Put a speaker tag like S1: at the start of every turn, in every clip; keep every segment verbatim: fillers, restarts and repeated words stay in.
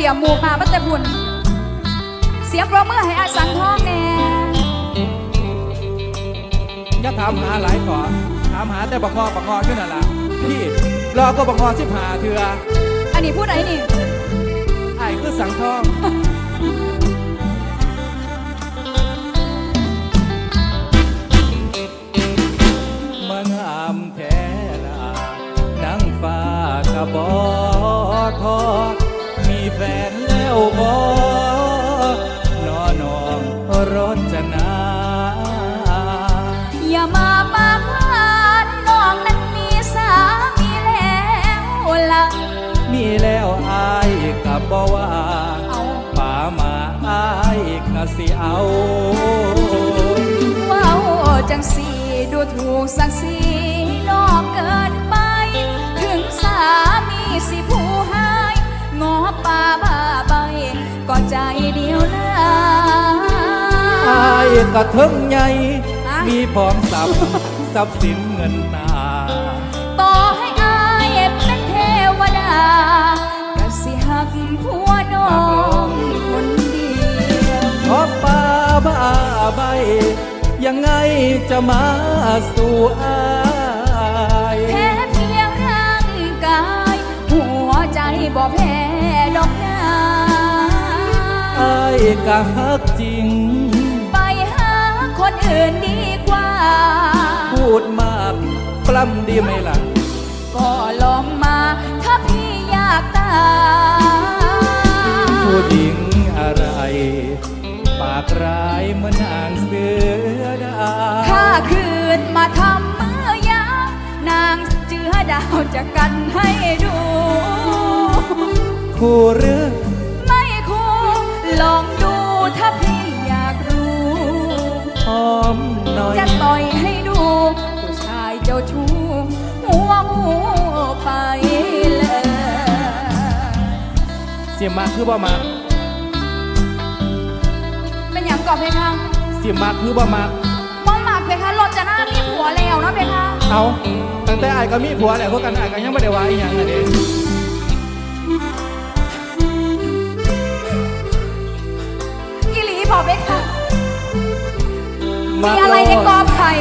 S1: รียมหมูมาบัตเตบุญเสียงปรบมือให้อาสังทองแน่
S2: อย่าถามหาหลายต่อถามหาแต่บักงอบักงอขึ้นน่ะล่ะพี่รอก็บักงอสิบหาเถื่อ
S1: อันนี้พูดไหนนี่
S2: ไอ้คือสังทองมันงามแท้ละนังฟ้ากระบอทอมีแฟนแล้วบ่นอน้องรจนา
S1: อย่ามาปากหวานน้องนั้นมีสามีแล้วล่ะ
S2: มีแล้วอายกับบ่ว่าป่ามาอายก็สิเอา
S1: ว้าวจังสีดูถูกสักสีน้องเกินไปถึงสามีสิผู้ให้งอป่าบ้าใบก็ใจเดียวนะ
S2: อายกระเทิงใหญ่มีพร้อมทรัพย์ทรัพย์สินเงินตา
S1: ต่อให้อายเป็นเทวดาก็สิหักผัวน้องคนเดียว
S2: ขอป่าบ้าใบยังไงจะมาสู่อาย
S1: แพ้เพียงร่างกายหัวใจบ่แพ้ดอกนา
S2: อายก็ฮักจริง
S1: ไปหาคนอื่นดีกว่า
S2: พูดมากปล้ำดีไหมล่ะ
S1: ก็ลองมาถ้าพี่อยากตาย
S2: ผู้หญิงอะไรปากร้ายเหมือนนางเสือดาว
S1: ถ้าคืนมาทำมือยางนางเจือดาวจะกันให้ดู
S2: คู่หรือ
S1: ไม่คู่ลองดูถ้าพี่อยากรู้
S2: หอมหน่อย
S1: จะต่อยให้ดูผู้ชายเจ้าชู้หัวงูไปเลย
S2: เสียมากคือบ่มาก
S1: เป็นอย่างก่อนเพคะ
S2: เสียมากคือบ่มาก
S1: มองหมากเพคะรถจะน่ามีผัวแล้วนะเพคะ
S2: เอาตั้งแต่ไอ้ก็มีผัวแล้วพวกกันไอ้ก็ยังไม่ได้ว่าอีหยังเลยเด็ก
S1: อีหลีบอกเพคะมีอะไรในกอไผ่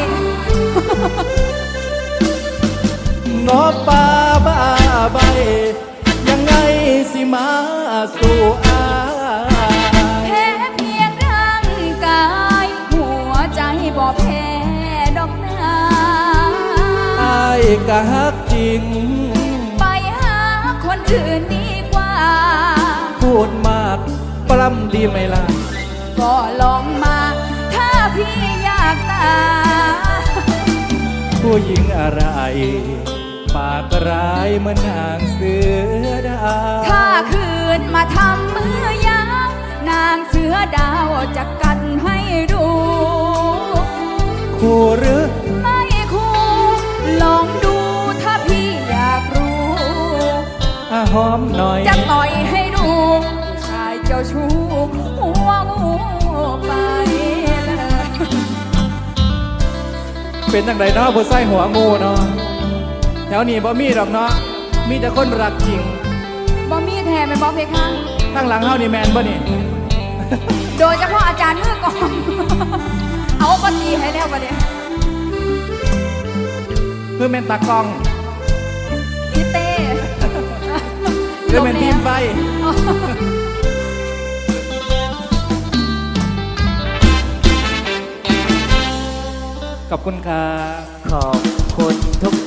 S2: งอป่าบ้าใบยังไงสิมาสู่อาย
S1: แพ้เพียงร่างกายหัวใจบ่แพ้ดอกนา
S2: อายก็ฮักจริง
S1: ไปหาคนอื่นดีกว่า
S2: พูดมากปล้ำดีไหมล่ะ
S1: ก็ลองมาถ้าพี่อยากตาย
S2: ผู้หญิงอะไรปากร้ายเหมือนนางเสือดาว
S1: ถ้าคืนมาทำมือยางนางเสือดาวจะกันให้ดู
S2: คู่หรือ
S1: ไม่คู่ลองดูถ้าพี่อยากรู้
S2: ถ้าหอมหน่อย
S1: จะต่อยให้ดูผู้ชายเจ้าชู้หัวงูไปเลย
S2: เป็นจังไดเนาะผู้ใส่หัวงูเนาะแถวนี้บ่มีดอกเนาะมีแต่คนรักจริง
S1: บ่มีแท้ไม่บ่เพคะ
S2: ข้างหลังเฮานี่แมนบ่นี่
S1: โดยเฉพาะอาจารย์มือกองเอาปฏิให้แล้วปะเนี่ย
S2: คือแมนตากล้อง
S1: พี่เต้
S2: คือแมนทีมไฟขอบคุณครับ
S3: ขอบคุณทุก